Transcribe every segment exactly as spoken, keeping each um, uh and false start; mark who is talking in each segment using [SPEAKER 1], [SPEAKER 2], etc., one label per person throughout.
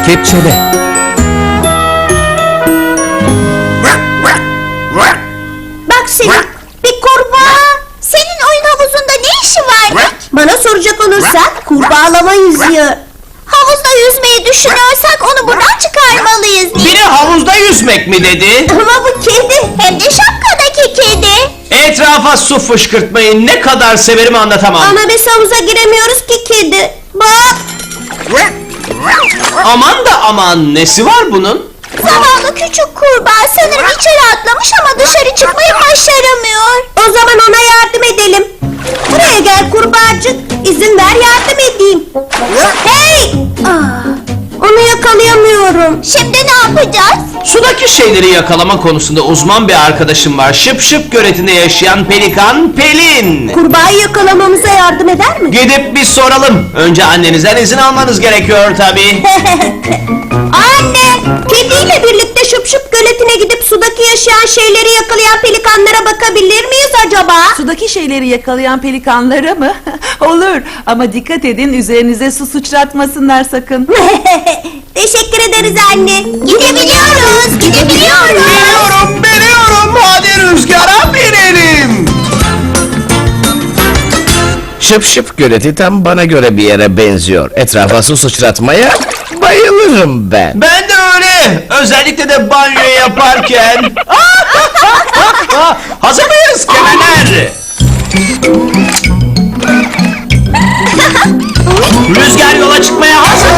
[SPEAKER 1] Kepçele.
[SPEAKER 2] Bak Selim, bir kurbağa. Senin oyun havuzunda ne işi var? Bana soracak olursak kurbağalama yüzüyor. Havuzda yüzmeyi düşünüyorsak onu buradan çıkarmalıyız diye.
[SPEAKER 3] Biri havuzda yüzmek mi dedi?
[SPEAKER 2] Ama bu kedi, hem de şapkadaki kedi.
[SPEAKER 3] Etrafa su fışkırtmayı ne kadar severim anlatamam.
[SPEAKER 2] Ama biz havuza giremiyoruz ki kedi. Bak,
[SPEAKER 3] Aman da aman, nesi var bunun?
[SPEAKER 2] zavallı küçük kurbağa sanırım içeri atlamış ama dışarı çıkmayı başaramıyor. O zaman ona yardım edelim. Buraya gel kurbağacık, izin ver yardım edeyim. Hey! Aa, onu yakalayamıyorum. Şimdi ne yapacağız?
[SPEAKER 3] Sudaki şeyleri yakalama konusunda uzman bir arkadaşım var. Şıp Şıp göletinde yaşayan pelikan Pelin.
[SPEAKER 2] Kurbağayı yakalamamıza yardım eder mi?
[SPEAKER 3] Gidip bir soralım. Önce annenizden izin almanız gerekiyor tabii.
[SPEAKER 2] Anne! Kediyle birlikte Şıp Şıp göletine gidip sudaki yaşayan şeyleri yakalayan pelikanlara bakabilir miyiz acaba?
[SPEAKER 4] Sudaki şeyleri yakalayan pelikanlara mı? Olur ama dikkat edin üzerinize su sıçratmasınlar sakın.
[SPEAKER 2] Teşekkür ederiz anne. Gidebiliyoruz, gidebiliyoruz.
[SPEAKER 3] Biliyorum, biliyorum. Hadi rüzgara binelim.
[SPEAKER 1] Şıp Şıp göleti tam bana göre bir yere benziyor. Etrafa su sıçratmaya bayılırım ben.
[SPEAKER 3] Ben de öyle. Özellikle de banyo yaparken. Hazır mıyız kemerler? Rüzgar yola çıkmaya hazır.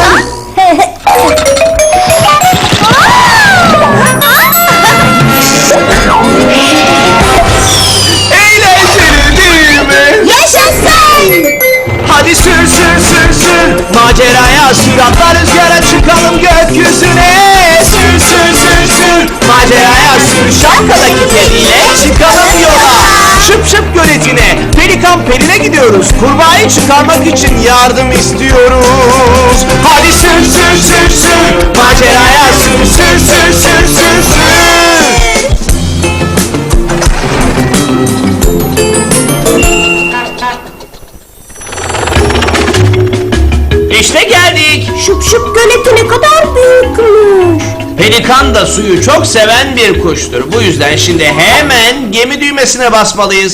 [SPEAKER 3] Eğlenceli değil mi?
[SPEAKER 2] Yaşasın!
[SPEAKER 3] Hadi sür sür sür sür maceraya sür, atla rüzgara çıkalım gökyüzüne. Sür sür sür sür maceraya sür, şapkadaki kediyle çıkalım yola. Şıp Şıp göletine, pelikan Pelin'e gidiyoruz. Kurbağayı çıkarmak için yardım istiyoruz. Hadi sür sür sür sür maceraya sür sür sür sür sür sür. İşte geldik.
[SPEAKER 2] Şıp Şıp göleti ne kadar büyükmüş.
[SPEAKER 3] Pelikan da suyu çok seven bir kuştur. Bu yüzden şimdi hemen gemi düğmesine basmalıyız.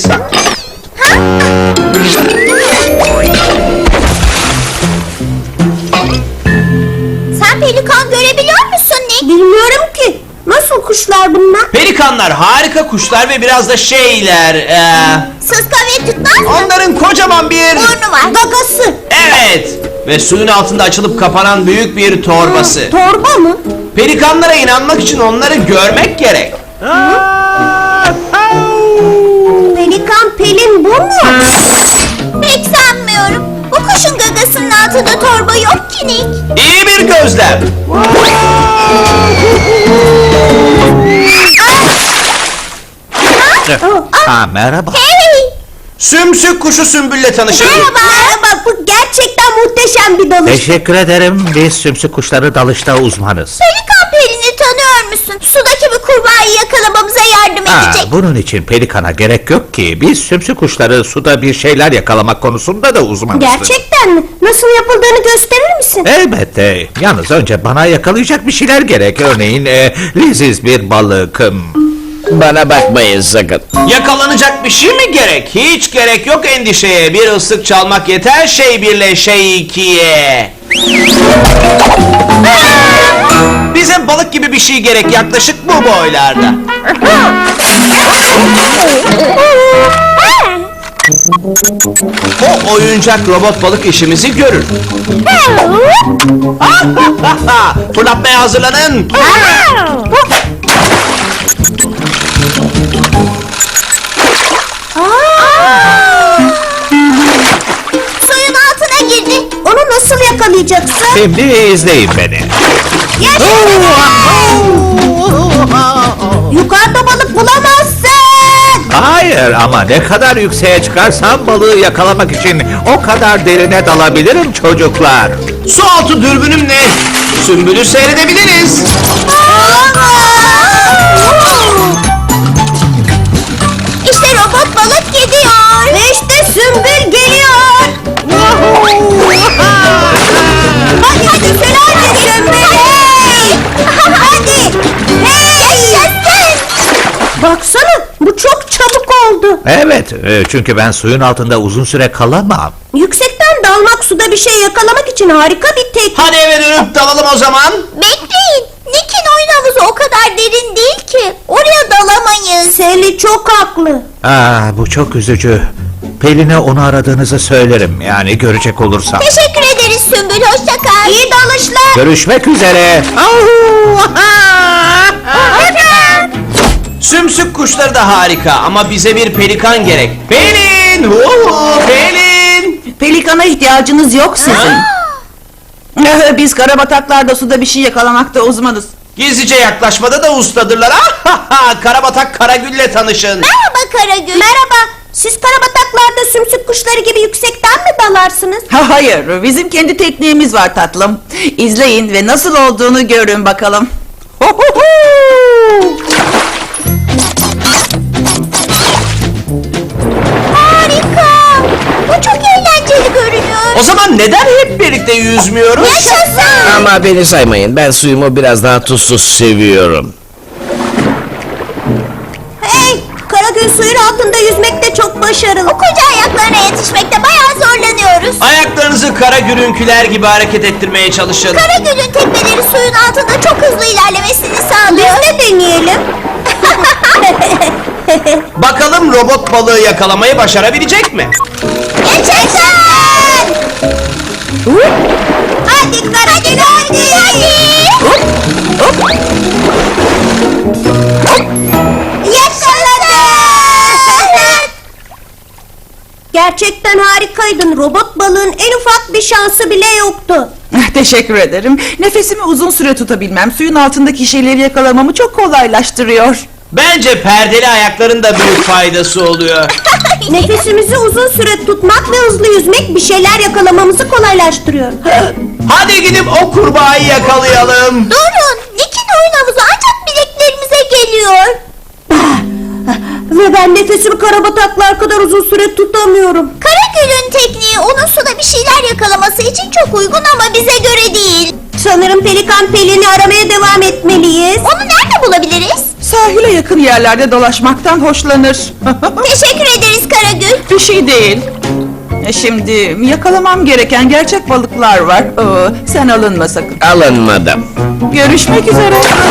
[SPEAKER 2] Sen pelikan görebiliyor musun Nick? Bilmiyorum ki. Nasıl kuşlar bunlar?
[SPEAKER 3] Pelikanlar harika kuşlar ve biraz da şeyler. eee,
[SPEAKER 2] Sıska ve tutmaz mı?
[SPEAKER 3] onların kocaman bir...
[SPEAKER 2] Burnu var. Gagası.
[SPEAKER 3] Evet. Ve suyun altında açılıp kapanan büyük bir torbası.
[SPEAKER 2] Torba mı?
[SPEAKER 3] Pelikanlara inanmak için onları görmek gerek.
[SPEAKER 2] Pelikan Pelin bu mu? Pek sanmıyorum. Bu kuşun gagasının altında torba yok ki Nick.
[SPEAKER 3] İyi bir gözlem.
[SPEAKER 1] Ha merhaba.
[SPEAKER 2] Hey!
[SPEAKER 3] Sümsük kuşu Sümbül'le tanışın.
[SPEAKER 2] Merhaba. Merhaba. Bu gerçekten muhteşem bir dalış.
[SPEAKER 5] Teşekkür ederim. Biz sümsük kuşları dalışta uzmanız.
[SPEAKER 2] Pelikan Pelin'i tanıyor musun? Sudaki bir kurbağayı yakalamamıza yardım
[SPEAKER 5] Ha,
[SPEAKER 2] edecek.
[SPEAKER 5] bunun için pelikana gerek yok ki. Biz sümsük kuşları suda bir şeyler yakalamak konusunda da uzmanız.
[SPEAKER 2] Gerçekten mi? Nasıl yapıldığını gösterir misin?
[SPEAKER 5] Elbette. Yalnız önce bana yakalayacak bir şeyler gerek. Örneğin e, leziz bir balık. hmm,
[SPEAKER 1] Bana bakmayın sakın.
[SPEAKER 3] Yakalanacak bir şey mi gerek? Hiç gerek yok endişeye. Bir ıslık çalmak yeter şey birle şey ikiye. Bize balık gibi bir şey gerek, yaklaşık bu boylarda. O oyuncak robot balık işimizi görür. Fırlatmaya hazırlanın.
[SPEAKER 2] Suyun altına girdi. Onu nasıl yakalayacaksın?
[SPEAKER 5] Şimdi izleyin beni.
[SPEAKER 2] Yaşasın! Yukarıda balık bulamazsın.
[SPEAKER 5] Hayır ama ne kadar yükseğe çıkarsam balığı yakalamak için o kadar derine dalabilirim çocuklar.
[SPEAKER 3] Su altı dürbünümle Sümbül'ü seyredebiliriz.
[SPEAKER 2] İşte robot balık gidiyor. Ve işte Sümbül geliyor. Hadi hadi Sümbül.
[SPEAKER 1] Evet.
[SPEAKER 5] E, çünkü ben suyun altında uzun süre kalamam.
[SPEAKER 2] Yüksekten dalmak suda bir şey yakalamak için harika bir teknik.
[SPEAKER 3] Hadi eve dönüp dalalım o zaman.
[SPEAKER 2] Bekleyin. Nick'in oyun havuzu o kadar derin değil ki. Oraya dalamayız. Sally çok haklı.
[SPEAKER 5] Aa, bu çok üzücü. Pelin'e onu aradığınızı söylerim. Yani görecek olursam.
[SPEAKER 2] Teşekkür ederiz Sümbül. Hoşça kal. İyi dalışlar.
[SPEAKER 1] Görüşmek üzere.
[SPEAKER 3] Sümsük kuşları da harika ama bize bir pelikan gerek. Pelin! Huhu, Pelin!
[SPEAKER 4] Pelikana ihtiyacınız yok sizin. Biz karabataklarda suda bir şey yakalamakta uzmanız.
[SPEAKER 3] Gizlice yaklaşmada da ustadırlar. Ah, Karabatak Karagül'le tanışın.
[SPEAKER 2] Merhaba Karagül. Merhaba. Siz karabataklarda sümsük kuşları gibi yüksekten mi dalarsınız?
[SPEAKER 4] Ha, hayır, bizim kendi tekniğimiz var tatlım. İzleyin ve nasıl olduğunu görün bakalım.
[SPEAKER 2] Harika. Bu çok eğlenceli görünüyor.
[SPEAKER 3] O zaman neden hep birlikte yüzmüyoruz?
[SPEAKER 2] Yaşasın.
[SPEAKER 1] Ama beni saymayın. Ben suyumu biraz daha tuzsuz seviyorum.
[SPEAKER 2] Hey, Karagül suyun altında yüzmekte çok başarılı. O koca ayaklarına yetişmekte bayağı zorlanıyoruz.
[SPEAKER 3] Ayaklarınızı Karagül'ünküler gibi hareket ettirmeye çalışın.
[SPEAKER 2] Karagül'ün tekmeleri suyun altında çok hızlı ilerlemesini sağlıyor. Biz de deneyelim.
[SPEAKER 3] Bakalım robot balığı yakalamayı başarabilecek mi?
[SPEAKER 2] Yaşasın! Hadi Karagül hadi! Hadi! Yakaladık! Gerçekten harikaydın. Robot balığın en ufak bir şansı bile yoktu.
[SPEAKER 4] Teşekkür ederim. Nefesimi uzun süre tutabilmem, suyun altındaki şeyleri yakalamamı çok kolaylaştırıyor.
[SPEAKER 3] Bence perdeli ayakların da büyük faydası oluyor.
[SPEAKER 2] Nefesimizi uzun süre tutmak ve hızlı yüzmek bir şeyler yakalamamızı kolaylaştırıyor.
[SPEAKER 3] Hadi gidip o kurbağayı yakalayalım.
[SPEAKER 2] Durun! Nick'in oyun havuzu ancak bileklerimize geliyor. Ve ben nefesimi karabataklar kadar uzun süre tutamıyorum. Karagül'ün tekniği onun suda bir şeyler yakalaması için çok uygun ama bize göre değil. Sanırım Pelikan Pelin'i aramaya devam etmeliyiz. Onu nerede bulabiliriz?
[SPEAKER 4] Sahile yakın yerlerde dolaşmaktan hoşlanır.
[SPEAKER 2] Teşekkür ederiz Karagül.
[SPEAKER 4] Bir şey değil. E, Şimdi yakalamam gereken gerçek balıklar var. Oo, sen alınma sakın.
[SPEAKER 1] Alınmadım.
[SPEAKER 4] Görüşmek üzere.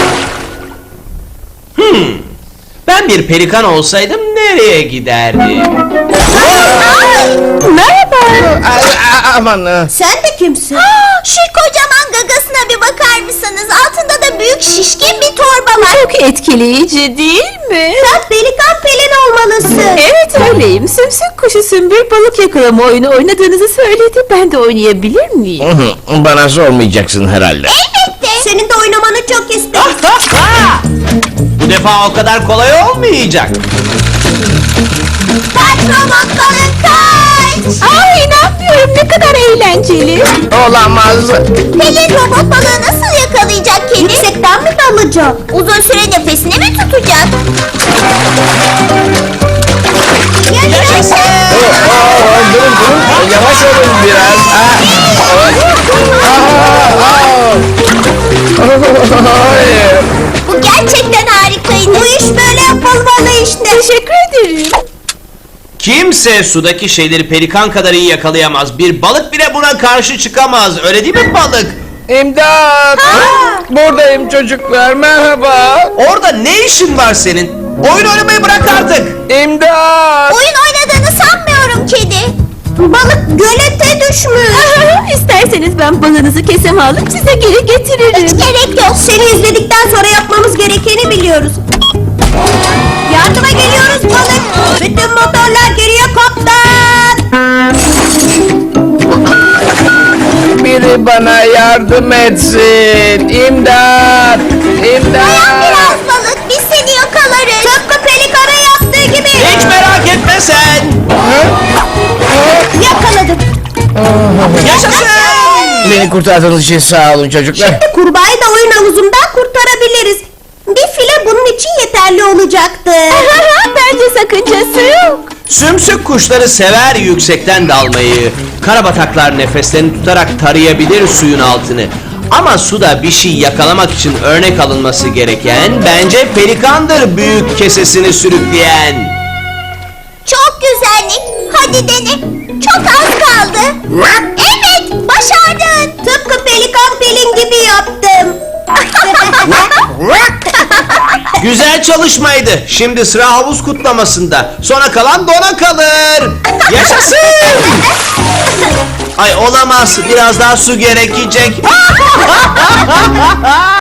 [SPEAKER 3] Ben bir pelikan olsaydım nereye giderdim?
[SPEAKER 2] Merhaba.
[SPEAKER 1] A- a- aman. e,
[SPEAKER 2] Sen de kimsin? Şu kocaman gagasına bir bakar mısınız? Altında da büyük şişkin bir torba var.
[SPEAKER 6] Çok etkileyici değil mi?
[SPEAKER 2] Sen Pelikan Pelin olmalısın.
[SPEAKER 6] Evet öyleyim. Sümsük kuşu sümbül balık yakalama oyunu oynadığınızı söyledi. Ben de oynayabilir miyim?
[SPEAKER 1] Hı hı, Bana sormayacaksın herhalde.
[SPEAKER 2] Elbette. Senin de oynamanı çok isterim.
[SPEAKER 3] Bu defa o kadar kolay olmayacak.
[SPEAKER 2] Kaç robot balık kaç.
[SPEAKER 6] Aa inanmıyorum ne kadar eğlenceli.
[SPEAKER 1] Olamaz.
[SPEAKER 2] Pelin robot balığı nasıl yakalayacak kedi? Yüksekten mi dalacak? Uzun süre nefesini mi tutacak? Yaşasın!
[SPEAKER 1] Aa, durun durun. Yavaş olun biraz. Aa, aa, aa. Hayır.
[SPEAKER 2] Bu gerçekten harikaydı. Bu iş böyle yapılmalı işte.
[SPEAKER 6] Teşekkür ederim.
[SPEAKER 3] Kimse sudaki şeyleri pelikan kadar iyi yakalayamaz. Bir balık bile buna karşı çıkamaz. Öyle değil mi balık?
[SPEAKER 1] İmdat. Buradayım çocuklar. Merhaba.
[SPEAKER 3] Orada ne işin var senin? Oyun oynamayı bırak artık.
[SPEAKER 1] İmdat.
[SPEAKER 2] Oyun oynadığını sanmıyorum kedi. Balık gölete düşmüş.
[SPEAKER 6] İsterseniz ben balığınızı keseme alıp size geri getiririm.
[SPEAKER 2] Hiç gerek yok. Seni izledikten sonra yapmamız gerekeni biliyoruz. Yardıma geliyoruz balık. Bütün motorlar geriye kaptan.
[SPEAKER 1] Biri bana yardım etsin. İmdat.
[SPEAKER 2] Dayan
[SPEAKER 1] İmdat.
[SPEAKER 2] biraz balık. Biz seni yakalarız. Tıpkı pelikana yaptığı gibi.
[SPEAKER 3] Hiç merak etme sen.
[SPEAKER 2] Yakaladım.
[SPEAKER 3] Yaşasın.
[SPEAKER 1] Beni kurtardığınız için sağ olun çocuklar.
[SPEAKER 2] Şimdi kurbağayı da oyun havuzundan kurtarabiliriz. Bir file bunun için yeterli olacaktı.
[SPEAKER 6] Bence sakıncası yok.
[SPEAKER 3] Sümsük kuşları sever yüksekten dalmayı. Karabataklar nefeslerini tutarak tarayabilir suyun altını. Ama suda bir şey yakalamak için örnek alınması gereken bence pelikandır büyük kesesini sürükleyen.
[SPEAKER 2] Çok güzel Nick. Hadi dene. Çok az kaldı. Evet, başardın. Tıpkı pelikan pelin gibi yaptım.
[SPEAKER 3] Güzel çalışmaydı. Şimdi sıra havuz kutlamasında. Sona kalan dona kalır. Yaşasın. Ay olamaz. Biraz daha su gerekecek.